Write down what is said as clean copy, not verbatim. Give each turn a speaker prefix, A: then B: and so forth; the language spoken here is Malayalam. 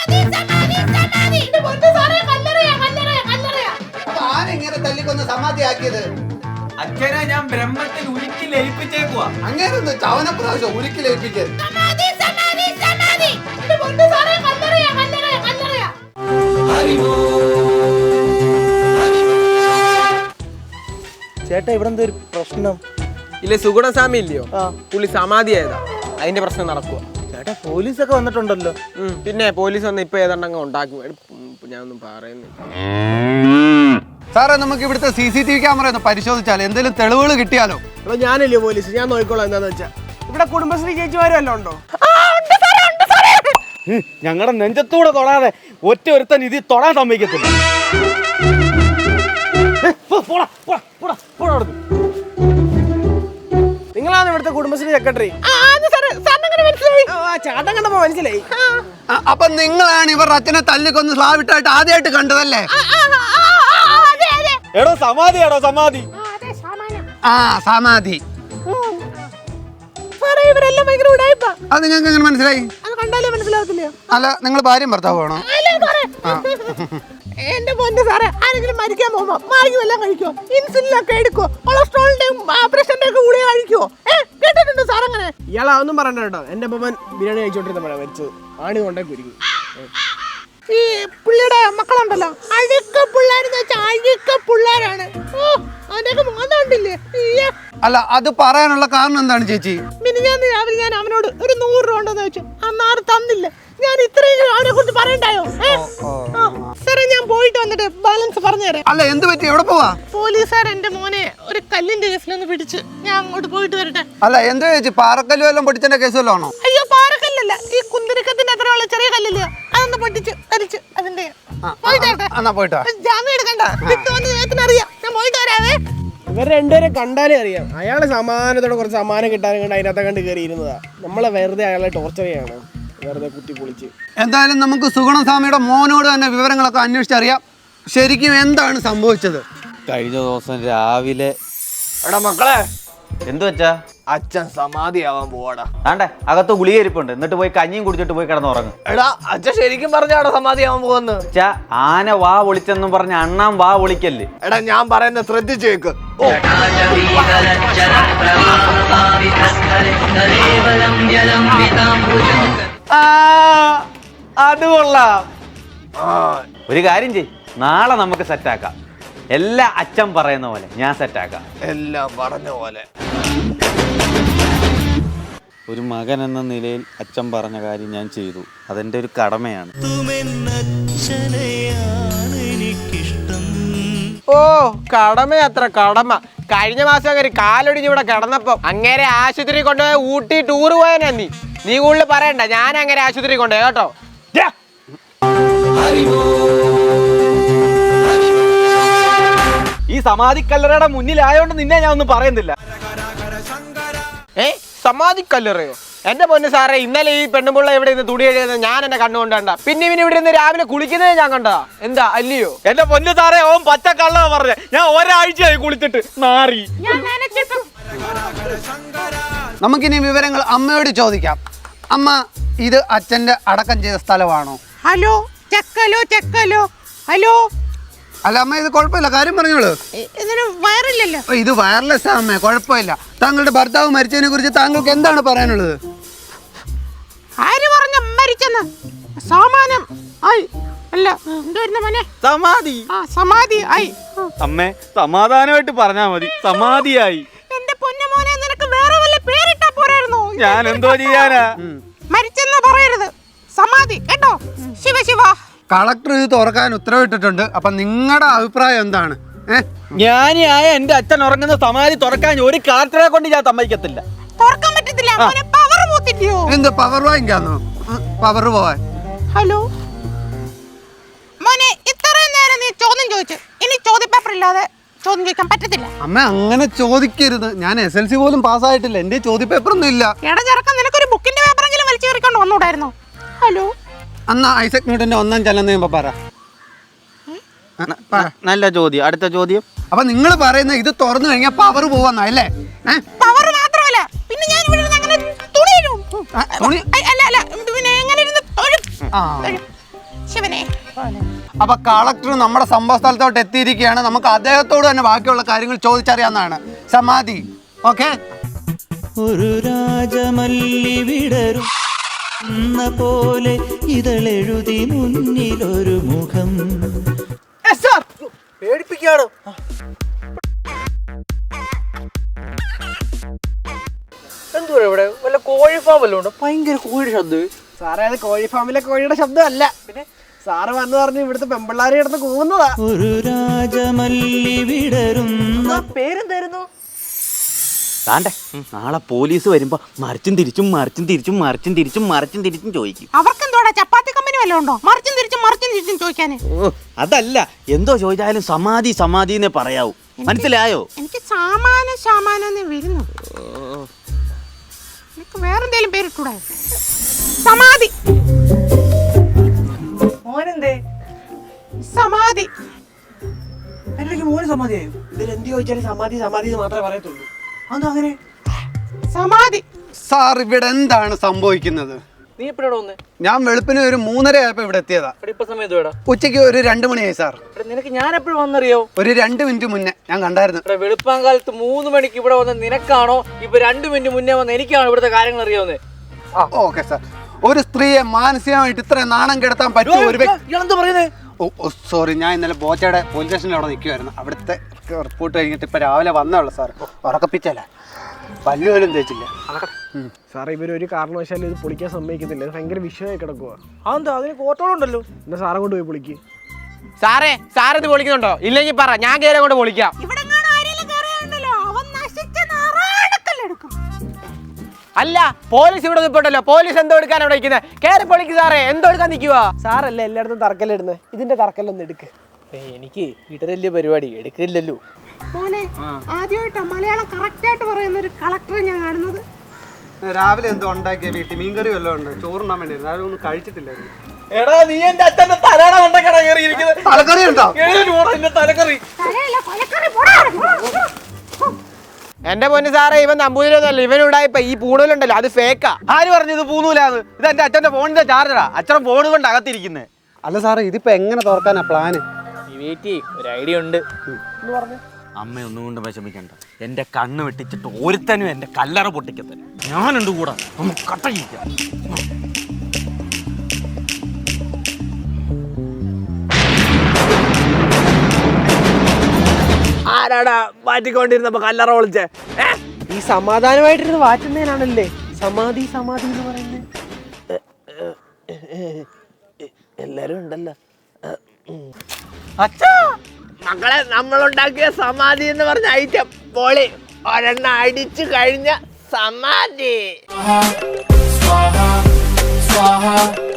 A: ആരെങ്ങനെ തല്ലിക്കൊന്ന് സമാധിയാക്കിയത്?
B: അച്ഛനെ ഞാൻ ബ്രഹ്മത്തിൽ ഉരുക്കി ലയിപ്പിച്ചേക്കുവാ.
A: അങ്ങനെ ഒന്ന് ചവന പ്രാവശ്യം ഉരുക്കി ലയിപ്പിക്കരുത്.
C: ചേട്ടാ ഇവിടെ എന്താ ഒരു പ്രശ്നം?
D: ഇല്ലേ സുഗുണസ്വാമി ഇല്ലയോ, പുള്ളി സമാധി ആയതാ, അതിന്റെ പ്രശ്നം നടക്കുക.
C: ചേട്ടാ പോലീസൊക്കെ വന്നിട്ടുണ്ടല്ലോ.
D: പിന്നെ പോലീസ് വന്ന് ഇപ്പൊ ഏതാണ്ടങ്ങ് ഉണ്ടാക്കി. ഞാനൊന്നും പറയുന്നില്ല
A: സാറേ, നമുക്ക് ഇവിടുത്തെ CCTV ക്യാമറ ഒന്ന് പരിശോധിച്ചാൽ എന്തെങ്കിലും തെളിവുകൾ കിട്ടിയാലോ?
D: അപ്പൊ ഞാനല്ലേ പോലീസ്, ഞാൻ നോക്കിക്കോളാം. എന്താന്ന് വെച്ചാ ഇവിടെ കുടുംബശ്രീ ചേച്ചിമാരും എല്ലാം ഉണ്ടോ?
C: ഞങ്ങളുടെ നെഞ്ചത്തൂടെ തൊടാതെ ഒറ്റ ഒരുത്തൻ ഇതിൽ തൊടാൻ സമ്മതിക്കത്തില്ല.
D: നിങ്ങളാണ് ഇവിടുത്തെ കുടുംബശ്രീ സെക്രട്ടറി? ചാട്ടം കണ്ടപ്പോ മനസ്സിലായി.
A: അപ്പൊ നിങ്ങളാണ് ഇവർ അച്ഛനെ തല്ലിക്കൊന്ന് സ്ലാവിട്ടായിട്ട് ആദ്യമായിട്ട് കണ്ടതല്ലേ?
C: എടോ സമാധിയാണോ സമാധി?
A: ആ സമാധി. അത് ഞങ്ങൾക്ക് എങ്ങനെ മനസ്സിലായി? അല്ല, നിങ്ങൾ ഭാര്യയും ഭർത്താവാണോ?
E: എന്റെ പൊന്ന് സാറേ, ആരെങ്കിലും മരിക്കാൻ പോകുമ്പോ മാർഗം എല്ലാം കഴിക്കോ? ഇൻസുലിനൊക്കെ എടുക്കോ? കൊളസ്ട്രോളിന്റെയും പ്രഷറിന്റെ ഒക്കെ ഗുളിക കഴിക്കോ? കേട്ടിട്ടുണ്ടോ സാർ അങ്ങനെ?
D: ഇയാളൊന്നും പറയണ്ട കേട്ടോ. എന്റെ അപ്പൻ ബിരിയാണി കഴിച്ചോണ്ടിരുന്നപ്പോഴാണ് മരിച്ചത്. ആണി കൊണ്ടേ കുരുങ്ങി.
E: ഈ പുള്ളിയുടെ മക്കളുണ്ടല്ലോ, അഴുക്ക പിള്ളേരെന്ന് വെച്ചാൽ അഴുക്ക പിള്ളേരാണ്. അതിന്റെയൊക്കെ മോന്നുണ്ടില്ലേ?
A: അല്ല, അത് പറയാനുള്ള കാരണം എന്താണ് ചേച്ചി?
E: മിനിഞ്ഞാന്ന് രാവിലെ ഞാൻ അവനോട് ഒരു 100 രൂപ ഉണ്ടെന്ന് വെച്ചു. അന്ന് ആറ് തന്നില്ല. ഞാൻ ഇത്രയും അവനെ കുറിച്ച് പറയണ്ടായോ? സാറേ, ഞാൻ പോയിട്ട് വന്നിട്ട് ബാലൻസ് പറഞ്ഞു തരാം.
A: അല്ല, എന്ത് പറ്റി? എവിടെ പോവാ?
E: പോലീസുകാർ എന്റെ മോനെ ഒരു കല്ലിന്റെ കേസിലൊന്ന് പിടിച്ച്. ഞാൻ അങ്ങോട്ട് പോയിട്ട് വരട്ടെ.
A: അല്ല, എന്താ ചേച്ചി, പാറക്കല്ലും എല്ലാം പൊട്ടിച്ചതിന്റെ കേസ് വല്ലതും ആണോ?
E: അയ്യോ, പാറക്കല്ലല്ല, ഈ കുന്തിരിക്കത്തിന്റെ അത്രയുള്ള ചെറിയ കല്ലില്ല, അതൊന്ന് പൊട്ടിച്ച് കരിച്ച് അതിന്റെ.
A: പോയിട്ട്
E: ജാമ്യം എടുക്കണ്ട, കിട്ടുമെന്ന് ഞാൻ പോയിട്ട് വരാവേ.
D: ഇവർ രണ്ടുപേരെ കണ്ടാലേ അറിയാം. അയാളെ സമാനത്തോടെ കുറച്ച് സമ്മാനം കിട്ടാനും കണ്ട് അതിനകത്ത് കണ്ട് കയറി ഇരുന്നതാ. നമ്മളെ വെറുതെ അയാളെ ടോർച്ചർ ചെയ്യാണ്, വെറുതെ കുത്തി പൊളിച്ച്.
A: എന്തായാലും നമുക്ക് സുഗുണസ്വാമിയുടെ മോനോട് തന്നെ വിവരങ്ങളൊക്കെ അന്വേഷിച്ചറിയാം. ശരിക്കും എന്താണ് സംഭവിച്ചത്?
C: കഴിഞ്ഞ ദിവസം രാവിലെ.
B: എടാ മക്കളെ,
C: എന്തു വെച്ചാ?
B: അച്ഛൻ സമാധിയാവാൻ പോവാടാ.
C: ആണ്ടെ അകത്ത് ഗുളിക ഇരിപ്പുണ്ട്, എന്നിട്ട് പോയി കഞ്ഞിയും കുടിച്ചിട്ട് പോയി കിടന്നുറങ്ങും.
B: എടാ, അച്ഛൻ ശരിക്കും പറഞ്ഞാടാ സമാധിയാവാൻ പോകുന്നു.
C: ആന വാ വിളിച്ചെന്നും പറഞ്ഞ അണ്ണാൻ വാ വിളിക്കല്ലേ.
B: എടാ, ഞാൻ പറയുന്നത് ശ്രദ്ധിച്ചേക്ക്.
C: അത് കൊള്ളാം. ഒരു കാര്യം ചെയ്, നാളെ നമുക്ക് സെറ്റാക്കാം. എല്ലാ അച്ഛൻ പറയുന്ന പോലെ ഞാൻ സെറ്റാക്കാം.
B: എല്ലാം പറഞ്ഞ പോലെ.
C: ഒരു മകൻ എന്ന നിലയിൽ അച്ഛൻ പറഞ്ഞ കാര്യം ഞാൻ ചെയ്തു. അതെന്റെ ഒരു കടമയാണ്.
D: ഓ, കടമ അത്ര കടമ. കഴിഞ്ഞ മാസം അങ്ങനെ കാലൊടിഞ്ഞ് ഇവിടെ കിടന്നപ്പോ അങ്ങേരെ ആശുപത്രി കൊണ്ടുപോയി ഊട്ടി ടൂർ പോയാ. നീ കൂടുതൽ പറയണ്ട, ഞാൻ അങ്ങനെ ആശുപത്രി കൊണ്ടുപോയി കേട്ടോ.
C: ഈ സമാധിക്കല്ലറയുടെ മുന്നിലായോണ്ട് നിന്നെ ഞാൻ ഒന്നും പറയുന്നില്ല.
D: സമാധിക്കല്ലറയോ? എന്റെ പൊന്ന് സാറേ, ഇന്നലെ ഈ പെണ്ണുമുള്ള ഇവിടെ നിന്ന് തുണി എഴുതുന്നത് ഞാൻ എന്നെ കണ്ണുകൊണ്ടണ്ട. പിന്നെ ഇവന് ഇവിടെ നിന്ന് രാവിലെ കുളിക്കുന്നത് ഞാൻ കണ്ടതാ. എന്താ അല്ലയോ?
C: എന്റെ പൊന്ന് സാറേ, ഓൻ പച്ചക്കള്ള പറഞ്ഞ. ഞാൻ ഒരാഴ്ചയായി കുളിച്ചിട്ട് നാറി.
A: നമുക്കിനി വിവരങ്ങൾ അമ്മയോട് ചോദിക്കാം. അമ്മ, ഇത് അച്ഛന്റെ അടക്കം ചെയ്ത സ്ഥലമാണോ?
E: ഹലോ ചെക്കലോ. ഹലോ.
A: അല്ല അമ്മ, ഇത് കുഴപ്പമില്ല, കാര്യം പറഞ്ഞോളൂ.
E: ഇതിന് വയറില്ലല്ലോ.
A: ഇത് വയർലെസ് ആ അമ്മേ, കുഴപ്പമില്ല. താങ്കളുടെ ഭർത്താവ് മരിച്ചതിനെ കുറിച്ച് താങ്കൾക്ക് എന്താണ് പറയാനുള്ളത്?
E: ആര് പറഞ്ഞ മരിച്ചെന്ന്? സമാനം ആയി. അല്ല, എന്തായിരുന്നു മോനെ?
C: സമാധി.
E: സമാധി ആയി.
C: അമ്മേ, സമാധാനമായിട്ട് പറഞ്ഞാ മതി. സമാധിയായി.
E: എന്റെ പൊന്നു മോനെ, നിനക്ക് വേറെ വല്ല പേരിട്ടാ പോരായിരുന്നോ?
C: ഞാൻ എന്തോ ചെയ്യാനാ?
E: മരിച്ചെന്ന് പറയരുത്, സമാധി കേട്ടോ. ശിവ.
A: കളക്ടർ ഇത് തുറക്കാൻ ഉത്തരവിട്ടിട്ടുണ്ട്. അപ്പൊ നിങ്ങളുടെ അഭിപ്രായം എന്താണ്?
C: ജ്ഞാനിയായ എന്റെ അച്ഛൻ ഉറങ്ങുന്ന സമാധി തുറക്കാൻ ഒരു കളക്ടറെ കൊണ്ട് ഞാൻ സമ്മതിക്കത്തില്ല.
E: തുറക്കാൻ പറ്റത്തില്ല. പവർ പോത്തില്ലയോ?
A: എന്ത് പവർ വാങ്ങിക്കാന്നോ? പവർ പോവാൻ.
E: ഹലോ മോനെ, ഇത്രയും നേരം നീ ചോദ്യം ചോദിച്ചു. ഇനി ചോദ്യപേപ്പർ ഇല്ലാതെ ചോദ്യം ചോദിക്കാൻ പറ്റത്തില്ല.
A: അമ്മ, അങ്ങനെ ചോദിക്കരുത്. ഞാൻ SLC പോലും പാസ്സായിട്ടില്ല. എന്റെ ചോദ്യപേപ്പർ ഒന്നും ഇല്ല.
E: ഇടചെറുക്കം, നിനക്കൊരു ബുക്കിന്റെ പേപ്പറെങ്കിലും വലിച്ചു കയറിക്കൊണ്ട് വന്നൂടായിരുന്നോ? ഹലോ.
A: അന്നാ ഐസക് ന്യൂട്ടന്റെ ഒന്നാം ചലനം ചെയ്യുമ്പോ പറ.
C: നല്ല ചോദ്യം. അടുത്ത ചോദ്യം.
A: അപ്പൊ നിങ്ങൾ പറയുന്ന ഇത് തുറന്നു കഴിഞ്ഞാൽ പവർ പോവാന്നല്ലേ?
E: പവർ മാത്രമല്ല, പിന്നെ ഞാൻ ഇവിടെ അങ്ങനെ തുണി. അല്ല, പിന്നെ എങ്ങനെ ഇരുന്ന് ശിവനെ
A: അപ്പൊ കളക്ടർ നമ്മുടെ സംഭവ സ്ഥലത്തോട്ട് എത്തിയിരിക്കുകയാണ്. നമുക്ക് അദ്ദേഹത്തോട് തന്നെ ബാക്കിയുള്ള കാര്യങ്ങൾ ചോദിച്ചറിയാവുന്നതാണ്. സമാധി ഓക്കെ.
F: ഒരു രാജമല്ലി വിടരും പോലെ ഇതളെഴുതി മുന്നിലൊരു മുഖം.
G: പേടിപ്പിക്കാണോ? എന്തുവാ ഇവിടെ വല്ല കോഴി ഫാം വല്ലതും ഉണ്ടോ? ഭയങ്കര കോഴിയുടെ ശബ്ദം.
D: സാറേ അത് കോഴി ഫാമിലെ കോഴിയുടെ ശബ്ദമല്ല. പിന്നെ സാറ് വന്നു പറഞ്ഞ് ഇവിടുത്തെ പെമ്പിള്ളാരെ കിടന്ന് കൂവുന്നതാ.
F: ഒരു രാജമല്ലി വിടരുന്ന
G: പേരെന്തായിരുന്നു?
C: താണ്ടെ നാളെ പോലീസ് വരുമ്പോ മറിച്ചും തിരിച്ചും ചോദിക്കും.
E: അവർക്കെന്തോടാ ചപ്പാത്തി കമ്പനി വല്ലതും ഉണ്ടോ? മറിച്ചും തിരിച്ചും ചോദിക്കാന്.
C: അതല്ല, എന്തോ ചോദിച്ചാലും സമാധി എന്നേ പറയാവൂ. മനസ്സിലായോ?
E: എനിക്ക് സാമാനം വരുന്നു. എനിക്ക് വേറെന്തേലും പേരിട്ടൂടെ? സമാധി.
G: മോനെന്തേ?
E: സമാധി.
G: അല്ലെങ്കിൽ മോന് സമാധിയായോ? ഇതിൽ എന്ത് ചോദിച്ചാലും സമാധി എന്ന് മാത്രമേ പറയത്തുള്ളൂ. അതെന്താ അങ്ങനെ?
E: സമാധി.
A: സാർ ഇവിടെ എന്താണ് സംഭവിക്കുന്നത്?
G: നീ എപ്പോഴാണ് വന്നേ?
A: ഞാൻ വെളുപ്പിന് ഒരു 3:30 ആയപ്പോ ഇവിടെ എത്തിയതാ.
G: ഇപ്പൊ സമയത്ത് വേടാ?
A: ഉച്ചയ്ക്ക് ഒരു 2 മണിയായി സാർ.
G: നിനക്ക് ഞാൻ എപ്പോഴും വന്നറിയോ?
A: ഒരു 2 മിനിറ്റ് മുന്നേ ഞാൻ കണ്ടായിരുന്നു.
G: ഇവിടെ വെളുപ്പാങ്കാലത്ത് 3 മണിക്ക് ഇവിടെ വന്ന നിനക്കാണോ ഇപ്പൊ 2 മിനിറ്റ് മുന്നേ വന്ന എനിക്കാണോ ഇവിടുത്തെ കാര്യങ്ങൾ അറിയാവുന്നേ?
A: Okay sir. ഒരു സ്ത്രീയെ മാനസികമായിട്ട് ഇത്രയും നാണം കെടുത്താൻ പറ്റും ഒരു
G: ഇയാളെന്താ പറയുന്നേ?
A: ഓ സോറി, ഞാൻ ഇന്നലെ ബോച്ചയുടെ പോലീസ് സ്റ്റേഷനിൽ അവിടെ നിൽക്കുമായിരുന്നു. അവിടുത്തെ റിപ്പോർട്ട് കഴിഞ്ഞിട്ട് ഇപ്പൊ രാവിലെ വന്നോളൂ സാർ. ഉറക്കപ്പിച്ചല്ല, പല്ലു പോലും തേച്ചില്ല.
D: സാറേ ഇവരൊരു കാരണവശാലും ഇത് പൊളിക്കാൻ സമ്മതിക്കുന്നില്ല. ഇത് ഭയങ്കര വിഷയമായി കിടക്കുക.
G: അതെന്താ? അതിന് കോട്ടോളം ഉണ്ടല്ലോ.
D: എന്നാ സാറെ കൊണ്ട് പോയി പൊളിക്ക്. സാറേ ഇത് പൊളിക്കുന്നുണ്ടോ? ഇല്ലെങ്കിൽ പറ, ഞാൻ കയറി കൊണ്ട് പൊളിക്കാം.
E: ഇവിടെ ആരെങ്കിലും കയറിയുണ്ടല്ലോ, അവൻ നശിച്ച നാറാണക്കല്ലെടുക്കും.
D: അല്ല, പോലീസ് ഇവിടെ നിൽപ്പുണ്ടല്ലോ. പോലീസ് എന്തോ എടുക്കാൻ അവിടെ ഇരിക്കുന്നത്? കയറി പൊളിക്ക് സാറേ. എന്തോ എടുക്കാൻ നിൽക്കുക? സാറല്ലേ എല്ലായിടത്തും തറക്കല്ലിടുന്നത്. ഇതിന്റെ തറക്കല്ലൊന്നും എടുക്ക്.
G: എനിക്ക് വീട്ടിലെ പരിപാടി എടുക്കില്ലല്ലോ.
E: മോനെ, ആദ്യമായിട്ടാ മലയാളം കറക്റ്റ് ആയിട്ട് പറയുന്ന ഒരു കളക്ടറെ ഞാൻ കാണുന്നത്.
A: രാവിലെ എന്തോ ഉണ്ടാക്കിയ വീട്ടിൽ മീൻകറി വല്ലതും ഉണ്ട്. ചോറുണ്ടാൻ വേണ്ടിയിരുന്നു. ആരും ഒന്നും കഴിച്ചിട്ടില്ലായിരുന്നു.
G: എടാ, നീ എന്റെ അച്ഛന്റെ തലയുടെ കൊണ്ടൊക്കെയാണ് കയറിയിരിക്കുന്നത്.
A: തലക്കറി ഉണ്ടോ?
G: തലക്കറി.
E: തലയല്ല, കൊലക്കറി. പോടാ.
D: എന്റെ പൊന്ന് സാറേ, ഇവൻ നമ്പൂതിരിയൊന്നുമല്ല. ഇവനുണ്ടായിപ്പോ ഈ പൂണൂലുണ്ടല്ലോ, അത് ഫേക്കാ.
C: ആര് പറഞ്ഞു ഇത് പൂന്നൂലാന്ന്? ഇത് എന്റെ അച്ഛന്റെ ഫോണിന്റെ ചാർജറാ. അച്ഛൻ ഫോൺ കൊണ്ട് അകത്തിരിക്കുന്നേ.
A: അല്ല സാറേ, ഇതിപ്പോ എങ്ങനെ തുറക്കാനാ പ്ലാന്?
G: ഒരു ഐഡിയ ഉണ്ട്.
C: അമ്മ ഒന്നും കൊണ്ട് വിഷമിക്കണ്ട. എന്റെ കണ്ണ് വെട്ടിച്ചിട്ട് ഒരുത്തനും എന്റെ കല്ലറ പൊട്ടിക്കത്തന്നെ. ഞാനുണ്ട് കൂടെ. നമുക്ക് കട്ടയിക്കാം.
G: ആരാടാ മാറ്റിക്കൊണ്ടിരുന്നപ്പോ കല്ലറ വിളിച്ചേ?
D: ഈ സമാധാനമായിട്ടിരുന്ന് വാറ്റുന്നതിനാണല്ലേ സമാധി എന്ന് പറയുന്നത്.
G: എല്ലാരും ഉണ്ടല്ലോ.
D: അച്ഛാ, മക്കളെ, നമ്മളുണ്ടാക്കിയ സമാധി എന്ന് പറഞ്ഞ ഐറ്റം പൊളി. ഒരെണ്ണ അടിച്ചു കഴിഞ്ഞ സമാധി.